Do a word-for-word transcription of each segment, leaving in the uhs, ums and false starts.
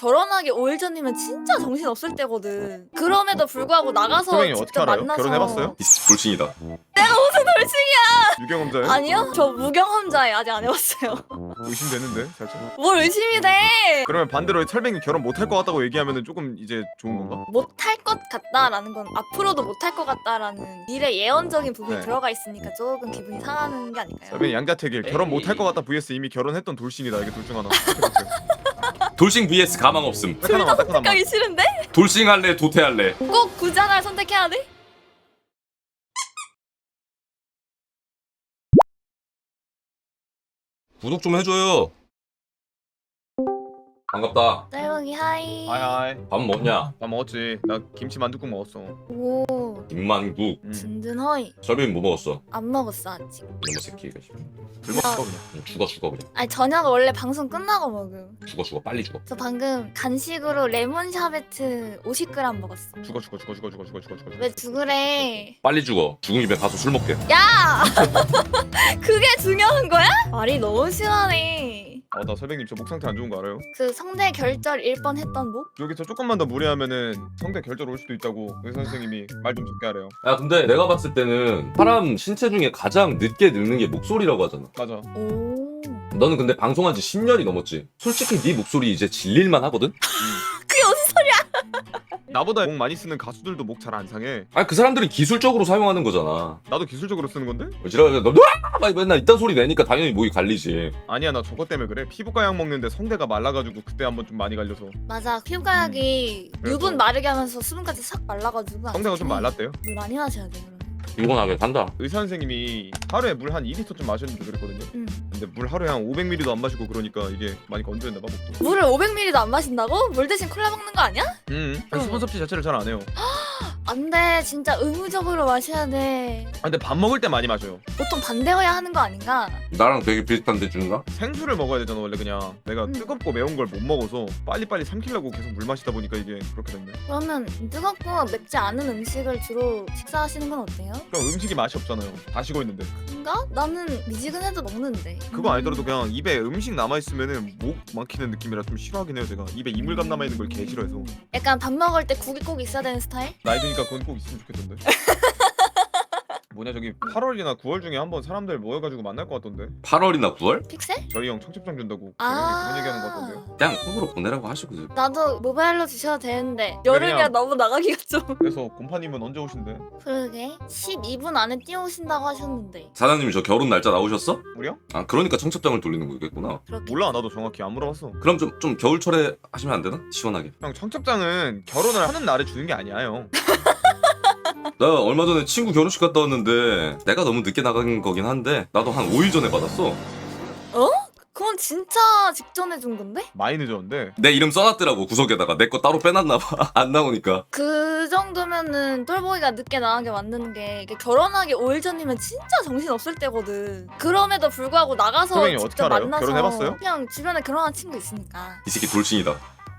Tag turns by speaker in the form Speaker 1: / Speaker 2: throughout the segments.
Speaker 1: 결혼하기 오 일 전이면 진짜 정신 없을 때거든. 그럼에도 불구하고 나가서
Speaker 2: 선생님 어떻게
Speaker 1: 직접
Speaker 2: 알아요?
Speaker 1: 만나서
Speaker 2: 결혼해봤어요?
Speaker 3: 돌싱이다.
Speaker 1: 내가 무슨 돌싱이야?
Speaker 2: 유경험자예요?
Speaker 1: 아니요, 저 무경험자예요. 아직 안 해봤어요.
Speaker 2: 의심되는데 살짝.
Speaker 1: 뭘 의심이 돼?
Speaker 2: 그러면 반대로 설백님 결혼 못할 것 같다고 얘기하면은 조금 이제 좋은 건가?
Speaker 1: 못할 것 같다라는 건 앞으로도 못할 것 같다라는 미래 예언적인 부분이
Speaker 2: 네.
Speaker 1: 들어가 있으니까 조금 기분이 상하는 게 아닐까요?
Speaker 2: 설백님 양자택일 결혼
Speaker 3: 에이.
Speaker 2: 못할 것 같다 vs 이미 결혼했던 돌싱이다. 이게 둘 중 하나.
Speaker 3: 돌싱 vs 가망 없음.
Speaker 2: 딱 하나만 딱 하나만.
Speaker 1: 가기 싫은데?
Speaker 3: 돌싱 할래 도태 할래.
Speaker 1: 꼭 굳이 하나를 선택해야 돼?
Speaker 3: 구독 좀 해줘요. 반갑다.
Speaker 1: 짤봉이 하이.
Speaker 2: 하이하이.
Speaker 3: 밥 먹냐?
Speaker 2: 나 먹었지. 나 김치 만둣국 먹었어.
Speaker 1: 오,
Speaker 3: 김만국.
Speaker 2: 음.
Speaker 1: 든든허이.
Speaker 3: 설빈 뭐 먹었어?
Speaker 1: 안 먹었어 아직.
Speaker 3: 이놈의 새끼가.
Speaker 2: 술 먹어 그냥.
Speaker 3: 응, 죽어 죽어 그냥.
Speaker 1: 아니 저녁 원래 방송 끝나고 먹음.
Speaker 3: 죽어 죽어 빨리 죽어.
Speaker 1: 저 방금 간식으로 레몬 샤베트 오십 그램 먹었어.
Speaker 2: 죽어 죽어 죽어 죽어 죽어 죽어 죽어 죽어.
Speaker 1: 왜 죽으래?
Speaker 3: 빨리 죽어. 죽은 입에 가서 술 먹게.
Speaker 1: 야! 그게 중요한 거야? 말이 너무 심하네.
Speaker 2: 아나 설백님 저 목 상태 안 좋은 거 알아요?
Speaker 1: 그 성대 결절일 뻔했던 목?
Speaker 2: 여기서 조금만 더 무리하면은 성대 결절 올 수도 있다고 의사 선생님이 말 좀 적게 하래요.
Speaker 3: 야 근데 내가 봤을 때는 사람 신체 중에 가장 늦게 늙는 게 목소리라고 하잖아.
Speaker 2: 맞아.
Speaker 1: 오.
Speaker 3: 너는 근데 방송한 지 십 년이 넘었지. 솔직히 네 목소리 이제 질릴만 하거든?
Speaker 1: 그게 무슨 소리야?
Speaker 2: 나보다 목 많이 쓰는 가수들도 목 잘 안 상해.
Speaker 3: 아니 그 사람들은 기술적으로 사용하는 거잖아.
Speaker 2: 나도 기술적으로 쓰는 건데?
Speaker 3: 지랄 너 으아! 막 맨날 이딴 소리 내니까 당연히 목이 갈리지.
Speaker 2: 아니야 나 저것 때문에 그래. 피부과 약 먹는데 성대가 말라가지고 그때 한번 좀 많이 갈려서
Speaker 1: 맞아. 피부과약이
Speaker 2: 그래서-
Speaker 1: 유분 마르게 하면서 수분까지 싹 말라가지고
Speaker 2: 성대가 좀 말랐대요.
Speaker 1: 물 많이 마셔야 돼 그러면.
Speaker 3: 피곤하게 산다.
Speaker 2: 의사 선생님이 하루에 물 한 이 리터쯤 마셨는데 그랬거든요.
Speaker 1: 응.
Speaker 2: 근데 물 하루에 한 오백 밀리리터도 안 마시고 그러니까 이게 많이 건조했나 봐 목도.
Speaker 1: 물을 오백 밀리리터도 안 마신다고? 물 대신 콜라 먹는 거 아니야?
Speaker 2: 음.
Speaker 1: 응.
Speaker 2: 수분 섭취 자체를 잘 안 해요.
Speaker 1: 안 돼. 진짜 의무적으로 마셔야 돼.
Speaker 2: 아, 근데 밥 먹을 때 많이 마셔요.
Speaker 1: 보통 반대여야 하는 거 아닌가?
Speaker 3: 나랑 되게 비슷한데 준가?
Speaker 2: 생수를 먹어야 되잖아 원래. 그냥 내가
Speaker 1: 음.
Speaker 2: 뜨겁고 매운 걸 못 먹어서 빨리빨리 삼키려고 계속 물 마시다 보니까 이게 그렇게 됐네.
Speaker 1: 그러면 뜨겁고 맵지 않은 음식을 주로 식사하시는 건 어때요?
Speaker 2: 그럼 음식이 맛이 없잖아요. 다 식어 있는데.
Speaker 1: 그런가? 나는 미지근해도 먹는데.
Speaker 2: 그거 아니더라도 그냥 입에 음식 남아 있으면은 목 막히는 느낌이라 좀 싫어하긴 해요. 제가 입에 이물감 남아 있는 걸 개 싫어해서.
Speaker 1: 약간 밥 먹을 때 국이 꼭 있어야 되는 스타일?
Speaker 2: 나이 드니까 그건 꼭 있으면 좋겠던데. 뭐냐 저기 팔월이나 구월 중에 한번 사람들 모여가지고 만날 것 같던데.
Speaker 3: 팔월이나 구월?
Speaker 1: 픽셀?
Speaker 2: 저희 형 청첩장 준다고
Speaker 1: 아.
Speaker 2: 그런 얘기하는 것 같던데요.
Speaker 3: 그냥 콩으로 보내라고 하시고.
Speaker 1: 나도 모바일로 주셔도 되는데 여름이라
Speaker 2: 그냥-
Speaker 1: 너무 나가기가 좀.
Speaker 2: 그래서 곰파님은 언제 오신대?
Speaker 1: 그러게 십이 분 안에 뛰어오신다고 하셨는데
Speaker 3: 사장님이 저 결혼 날짜 나오셨어?
Speaker 2: 우리요?
Speaker 3: 아 그러니까 청첩장을 돌리는 거겠구나.
Speaker 1: 그렇게.
Speaker 2: 몰라 나도 정확히 안 물어봤어.
Speaker 3: 그럼 좀 좀 겨울철에 하시면 안 되나? 시원하게.
Speaker 2: 형 청첩장은 결혼을 하는 날에 주는 게 아니야 형.
Speaker 3: 나 얼마 전에 친구 결혼식 갔다 왔는데 내가 너무 늦게 나간 거긴 한데 나도 한 오 일 전에 받았어.
Speaker 1: 그건 진짜 직전에 준 건데?
Speaker 2: 많이 늦었는데.
Speaker 3: 내 이름 써놨더라고 구석에다가. 내 거 따로 빼놨나 봐. 안 나오니까.
Speaker 1: 그 정도면은 똘보기가 늦게 나가게 만드는 게 이게 결혼하기 오 일 전이면 진짜 정신 없을 때거든. 그럼에도 불구하고 나가서
Speaker 2: 선생님 어떻게
Speaker 1: 직접
Speaker 2: 알아요?
Speaker 1: 만나서
Speaker 2: 결혼해봤어요?
Speaker 1: 그냥 주변에 결혼한 친구 있으니까.
Speaker 3: 이 새끼 돌싱이다.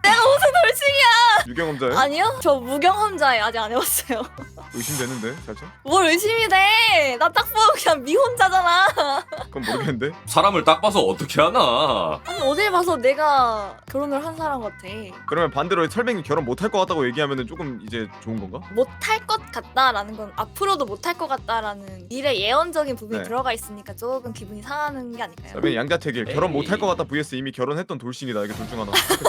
Speaker 1: 돌싱이야?
Speaker 2: 유경험자예요?
Speaker 1: 아니요, 저 무경험자예요. 아직 안 해봤어요.
Speaker 2: 의심되는데 살짝?
Speaker 1: 뭘 의심이 돼? 나 딱 보면 그냥 미혼자잖아.
Speaker 2: 그건 모르겠는데.
Speaker 3: 사람을 딱 봐서 어떻게 하나.
Speaker 1: 아니 어딜 봐서 내가 결혼을 한 사람 같아.
Speaker 2: 그러면 반대로 설백이 결혼 못할 것 같다고 얘기하면은 조금 이제 좋은 건가?
Speaker 1: 못할 것 같다라는 건 앞으로도 못할 것 같다라는 미래 예언적인 부분이
Speaker 2: 네.
Speaker 1: 들어가 있으니까 조금 기분이 상하는 게 아닐까요?
Speaker 2: 설백이 양자택일 결혼
Speaker 3: 에이.
Speaker 2: 못할 것 같다 vs 이미 결혼했던 돌싱이다. 이게 둘 중 하나.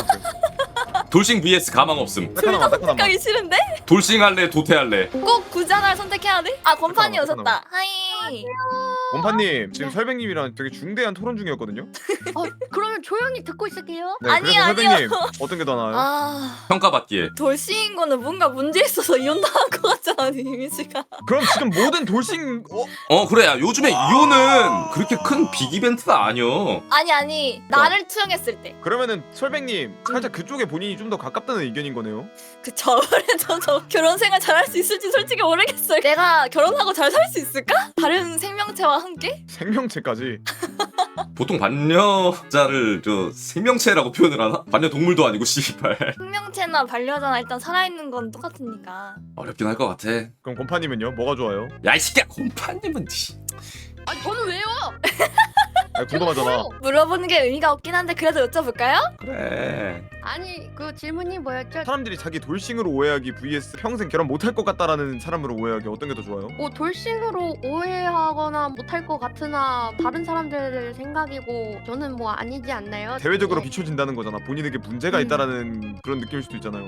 Speaker 3: 돌싱 vs 가망 없음.
Speaker 2: 딱 하나만 딱 하나만.
Speaker 1: 가기 싫은데?
Speaker 3: 돌싱 할래 도태 할래.
Speaker 1: 꼭 굳이 하나를 선택해야 돼? 아 건판이
Speaker 2: 잠깐만,
Speaker 1: 오셨다. 하이.
Speaker 2: 원파님 지금 설백님이랑 되게 중대한 토론 중이었거든요.
Speaker 4: 어, 그러면 조용히 듣고 있을게요.
Speaker 2: 네,
Speaker 1: 아니요,
Speaker 2: 그래서
Speaker 1: 아니요.
Speaker 2: 설백님 어떤 게 더 나아요?
Speaker 1: 아
Speaker 3: 평가받기에.
Speaker 1: 돌싱인 거는 뭔가 문제 있어서 이혼당한 것 같잖아 이미지가.
Speaker 2: 그럼 지금 모든 돌싱 어?
Speaker 3: 어 그래 야 요즘에 이혼은 그렇게 큰 빅 이벤트가 아니여.
Speaker 1: 아니 아니 나를 투영했을 때.
Speaker 2: 그러면은 설백님 살짝 그쪽에 본인이 좀 더 가깝다는 의견인 거네요.
Speaker 1: 그 저번에도 저 결혼 생활 잘할 수 있을지 솔직히 모르겠어요. 내가 결혼하고 잘 살 수 있을까? 다른 생명체와 함께?
Speaker 2: 생명체까지.
Speaker 3: 보통 반려자를 저 생명체라고 표현을 하나? 반려동물도 아니고 씨발.
Speaker 1: 생명체나 반려자나 일단 살아있는 건 똑같으니까.
Speaker 3: 어렵긴 할 것 같아.
Speaker 2: 그럼 곰파님은요? 뭐가 좋아요?
Speaker 3: 야 이 새끼야 곰파님은 씨.
Speaker 4: 아니 저는 왜요?
Speaker 2: 아니, 궁금하잖아.
Speaker 1: 물어보는 게 의미가 없긴 한데 그래도 여쭤볼까요?
Speaker 3: 그래.
Speaker 4: 아니 그 질문이 뭐였죠?
Speaker 2: 사람들이 자기 돌싱으로 오해하기 vs 평생 결혼 못할 것 같다라는 사람으로 오해하기 어떤 게 더 좋아요?
Speaker 4: 뭐 돌싱으로 오해하거나 못할 것 같으나 다른 사람들 생각이고 저는 뭐 아니지 않나요?
Speaker 2: 대외적으로
Speaker 4: 네.
Speaker 2: 비춰진다는 거잖아. 본인에게 문제가
Speaker 1: 음.
Speaker 2: 있다라는 그런 느낌일 수도 있잖아요.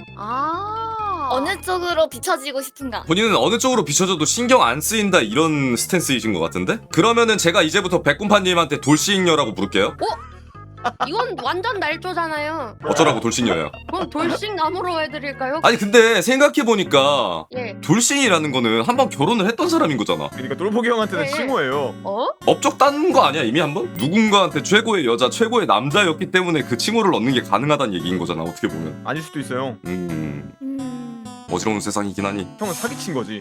Speaker 4: 아
Speaker 1: 어느 쪽으로 비춰지고 싶은가?
Speaker 3: 본인은 어느 쪽으로 비춰져도 신경 안 쓰인다 이런 스탠스이신 것 같은데? 그러면은 제가 이제부터 백곰파님한테 돌싱녀라고 부를게요.
Speaker 4: 이건 완전 날조잖아요.
Speaker 3: 어쩌라고 돌싱녀야.
Speaker 4: 그럼 돌싱 나무로 해드릴까요?
Speaker 3: 아니 근데 생각해보니까
Speaker 4: 예.
Speaker 3: 돌싱이라는 거는 한번 결혼을 했던 사람인 거잖아.
Speaker 2: 그러니까 똘보기 형한테는
Speaker 4: 네.
Speaker 2: 칭호예요.
Speaker 4: 어?
Speaker 3: 업적 딴 거 아니야 이미 한번? 누군가한테 최고의 여자 최고의 남자였기 때문에 그 칭호를 얻는 게 가능하다는 얘기인 거잖아 어떻게 보면.
Speaker 2: 아닐 수도 있어요.
Speaker 3: 음
Speaker 1: 음...
Speaker 3: 어지러운 세상이긴 하니
Speaker 2: 형은 사기친 거지.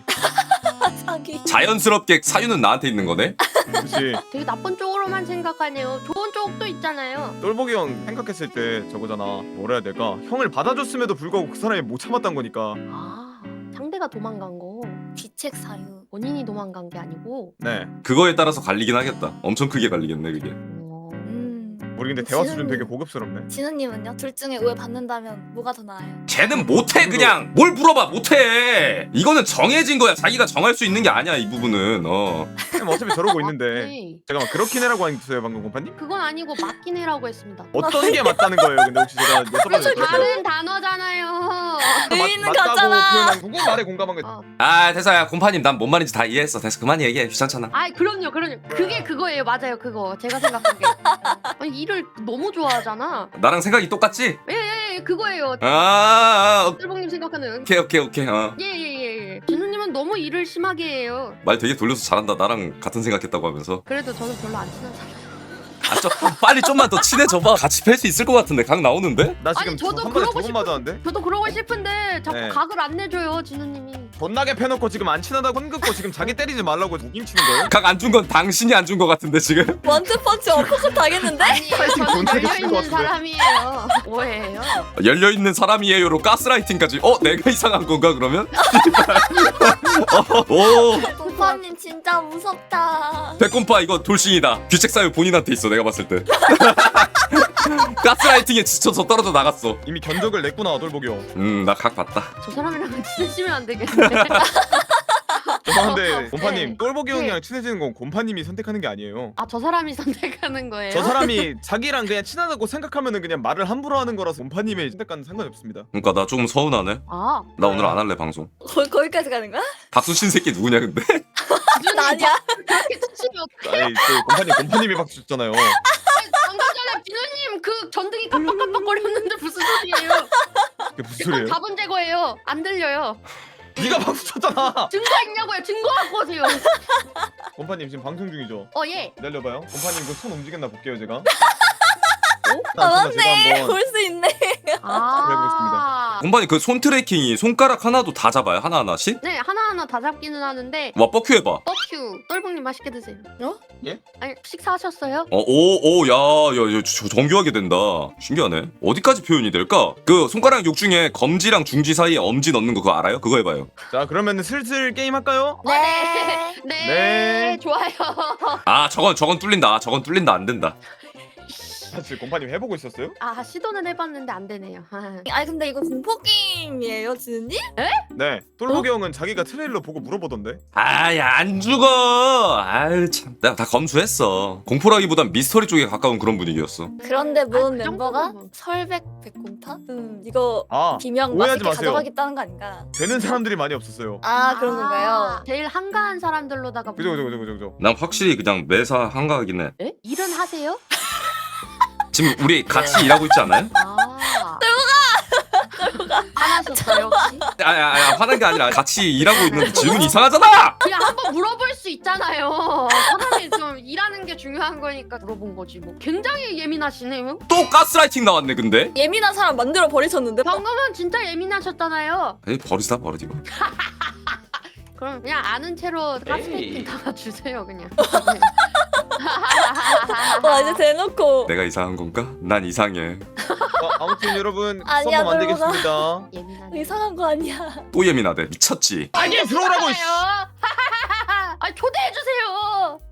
Speaker 1: 사기.
Speaker 3: 자연스럽게 사유는 나한테 있는 거네.
Speaker 2: 그렇지.
Speaker 4: 되게 나쁜 쪽으로만 생각하네요. 좋은 쪽도 있잖아요.
Speaker 2: 똘보기 형 생각했을 때 저거잖아. 뭐라 해야 될까? 형을 받아줬음에도 불구하고 그 사람이 못 참았던 거니까.
Speaker 4: 아 상대가 도망간 거
Speaker 1: 비책 사유.
Speaker 4: 본인이 도망간 게 아니고.
Speaker 2: 네.
Speaker 3: 그거에 따라서 갈리긴 하겠다. 엄청 크게 갈리겠네 그게.
Speaker 4: 어...
Speaker 1: 음...
Speaker 2: 우리 근데 대화 수준
Speaker 1: 지금-
Speaker 2: 되게 고급스럽네.
Speaker 1: 진우님은요? 둘 중에 오해 받는다면 뭐가 더 나아요?
Speaker 3: 쟤는 못해 그냥. 뭘 물어봐 못해. 이거는 정해진 거야. 자기가 정할 수 있는 게 아니야 이 부분은. 어.
Speaker 2: 형 어차피 저러고 있는데.
Speaker 4: 네.
Speaker 2: 잠깐만 그렇긴 해라고 했어요 방금 공파님?
Speaker 4: 그건 아니고 맞긴 해라고 했습니다.
Speaker 2: 어떤 게 맞다는 거예요? 근데 혹시 제가 여쭤봐도 될까요?
Speaker 4: 다른 단어잖아요.
Speaker 1: 의미는
Speaker 2: 맞다고
Speaker 1: 같잖아.
Speaker 2: 표현한 누구 말에 공감한 거?
Speaker 4: 어.
Speaker 3: 아 됐어야 곰파님 난 뭔 말인지 다 이해했어. 됐어 그만 얘기해. 귀찮잖아.
Speaker 4: 아이 그럼요 그럼요 그게 그거예요 맞아요 그거 제가 생각한 게 아니 일을 너무 좋아하잖아
Speaker 3: 나랑 생각이 똑같지?
Speaker 4: 예예 그거예요
Speaker 3: 아, 아, 아
Speaker 4: 뜰봉님 생각하는
Speaker 3: 오케이 오케이 오케이. 어.
Speaker 4: 예예예 진우님은 너무 일을 심하게 해요
Speaker 3: 말 되게 돌려서 잘한다. 나랑 같은 생각했다고 하면서.
Speaker 4: 그래도 저는 별로 안 친한 사람
Speaker 3: 아, 좀 빨리 좀만 더 친해져봐. 같이 팰 수 있을 것 같은데 각 나오는데?
Speaker 2: 나 지금
Speaker 4: 아니, 저도
Speaker 2: 한 번에
Speaker 4: 그러고
Speaker 2: 두번
Speaker 4: 싶은-
Speaker 2: 맞았는데?
Speaker 4: 저도 그러고 싶은데 자꾸
Speaker 2: 네.
Speaker 4: 각을 안 내줘요 진우님이
Speaker 2: 존나게 패놓고 지금 안 친하다고 혼긋고 지금 자기 때리지 말라고 무김 치는 거예요?
Speaker 3: 각 안 준 건 당신이 안 준 것 같은데 지금?
Speaker 1: 원투펀치 어퍼컷 당했는데?
Speaker 4: 아니에요
Speaker 2: 파이팅
Speaker 4: 저는
Speaker 2: 존나게 치는 것
Speaker 4: 열려있는
Speaker 2: 같은데.
Speaker 4: 사람이에요 뭐예요
Speaker 3: 열려있는 사람이에요로 가스라이팅까지. 어? 내가 이상한 건가 그러면? 어, 오
Speaker 1: 동파님 진짜 무섭다.
Speaker 3: 백곰파 이거 돌싱이다. 귀책 사유 본인한테 있어 내가 봤을 때. 가스라이팅에 지쳐서 떨어져 나갔어.
Speaker 2: 이미 견적을 냈구나 똘보기 형.
Speaker 3: 음 나 각 봤다.
Speaker 4: 저 사람이랑 친해지면 안 되겠는데
Speaker 2: 죄송한데 곰파님
Speaker 4: 네.
Speaker 2: 똘보기 형이랑
Speaker 4: 네.
Speaker 2: 친해지는 건 곰파님이 선택하는 게 아니에요.
Speaker 4: 아 저 사람이 선택하는 거예요?
Speaker 2: 저 사람이 자기랑 그냥 친하다고 생각하면은 그냥 말을 함부로 하는 거라서 곰파님의 선택과는 상관이 없습니다.
Speaker 3: 그러니까 나 좀 서운하네.
Speaker 4: 아
Speaker 3: 나 오늘 안 할래 방송.
Speaker 1: 거, 거기까지 가는 거야?
Speaker 3: 박수친 새끼 누구냐 근데?
Speaker 1: 나 아니야.
Speaker 4: 그렇게 치시면 어떡해
Speaker 2: 아니 그 곰파님 곰파님이 박수 줬잖아요.
Speaker 4: 방금 전에 비누님 그 전등이 깜빡깜빡거렸는데 무슨 소리예요?
Speaker 2: 그게 무슨
Speaker 4: 이건
Speaker 2: 소리예요?
Speaker 4: 자본 제거예요. 안 들려요.
Speaker 2: 네가 박수 쳤잖아.
Speaker 4: 증거 있냐고요? 증거 갖고 오세요.
Speaker 2: 곰파님 지금 방송 중이죠?
Speaker 4: 어 예.
Speaker 2: 기다려봐요. 곰파님 그 손 움직였나 볼게요 제가.
Speaker 1: 아
Speaker 2: 제가
Speaker 1: 맞네.
Speaker 2: 한번
Speaker 1: 볼 수 있네.
Speaker 4: 아.
Speaker 3: 공반이 그 손 트래킹이 손가락 하나도 다 잡아요 하나 하나씩?
Speaker 4: 네 하나하나 다 잡기는 하는데
Speaker 3: 와 뻑큐 해봐.
Speaker 4: 뻑큐 똘봉님 맛있게 드세요.
Speaker 1: 어?
Speaker 2: 예?
Speaker 4: 아니 식사하셨어요?
Speaker 3: 어오오야야 정교하게 된다. 신기하네. 어디까지 표현이 될까? 그 손가락 욕 중에 검지랑 중지 사이에 엄지 넣는 거 그거 알아요? 그거 해봐요.
Speaker 2: 자 그러면 슬슬 게임 할까요?
Speaker 1: 네.
Speaker 4: 네.
Speaker 2: 네.
Speaker 4: 좋아요.
Speaker 3: 아 저건 저건 뚫린다. 아, 저건 뚫린다 안 된다.
Speaker 2: 사실 곰파님 해보고 있었어요?
Speaker 4: 아 시도는 해봤는데 안 되네요.
Speaker 1: 아니 근데 이거 공포 게임이에요, 지은님?
Speaker 2: 네. 똘보기 형은 자기가 트레일러 보고 물어보던데.
Speaker 3: 아이 안 죽어. 아유 참. 내가 다 검수했어. 공포라기보단 미스터리 쪽에 가까운 그런 분위기였어.
Speaker 1: 그런데 모은
Speaker 4: 그
Speaker 1: 멤버가
Speaker 4: 정도면.
Speaker 1: 설백 백곰파? 음 이거
Speaker 2: 아
Speaker 1: 비명
Speaker 2: 오해하지
Speaker 1: 맛있게
Speaker 2: 마세요.
Speaker 1: 가져가겠다는 거 아닌가?
Speaker 2: 되는 사람들이 많이 없었어요.
Speaker 1: 아 그런 건가요?
Speaker 4: 제일 한가한 사람들로다가
Speaker 2: 그죠 그죠 그죠 그죠 그죠.
Speaker 3: 난 확실히 그냥 매사 한가하긴 해.
Speaker 4: 에? 일은 하세요?
Speaker 3: 지금 우리 같이 일하고 있지 않아요?
Speaker 4: 아. 떨고가. 화나셨어요 혹시?
Speaker 3: 아니 아니 화난 게 아니라 같이 일하고 있는데 질문이 이상하잖아.
Speaker 4: 그냥 한번 물어볼 수 있잖아요. 사람이 좀 일하는 게 중요한 거니까 물어본 거지 뭐. 굉장히 예민하시네요.
Speaker 3: 또 가스라이팅 나왔네 근데.
Speaker 1: 예민한 사람 만들어 버리셨는데?
Speaker 4: 방금은 진짜 예민하셨잖아요.
Speaker 3: 에이 버리다 버리고.
Speaker 4: 그럼 그냥 아는 채로 가스레이팅 담아주세요 그냥.
Speaker 1: 와 이제 대놓고
Speaker 3: 내가 이상한 건가? 난 이상해.
Speaker 2: 어, 아무튼 여러분
Speaker 1: 아니야,
Speaker 2: 수업 안
Speaker 1: 똘보가.
Speaker 2: 되겠습니다.
Speaker 4: 예민하네.
Speaker 1: 이상한 거 아니야.
Speaker 3: 또 예민하대. 미쳤지.
Speaker 2: 아니 들어오라고. 씨.
Speaker 4: 아 초대해 주세요.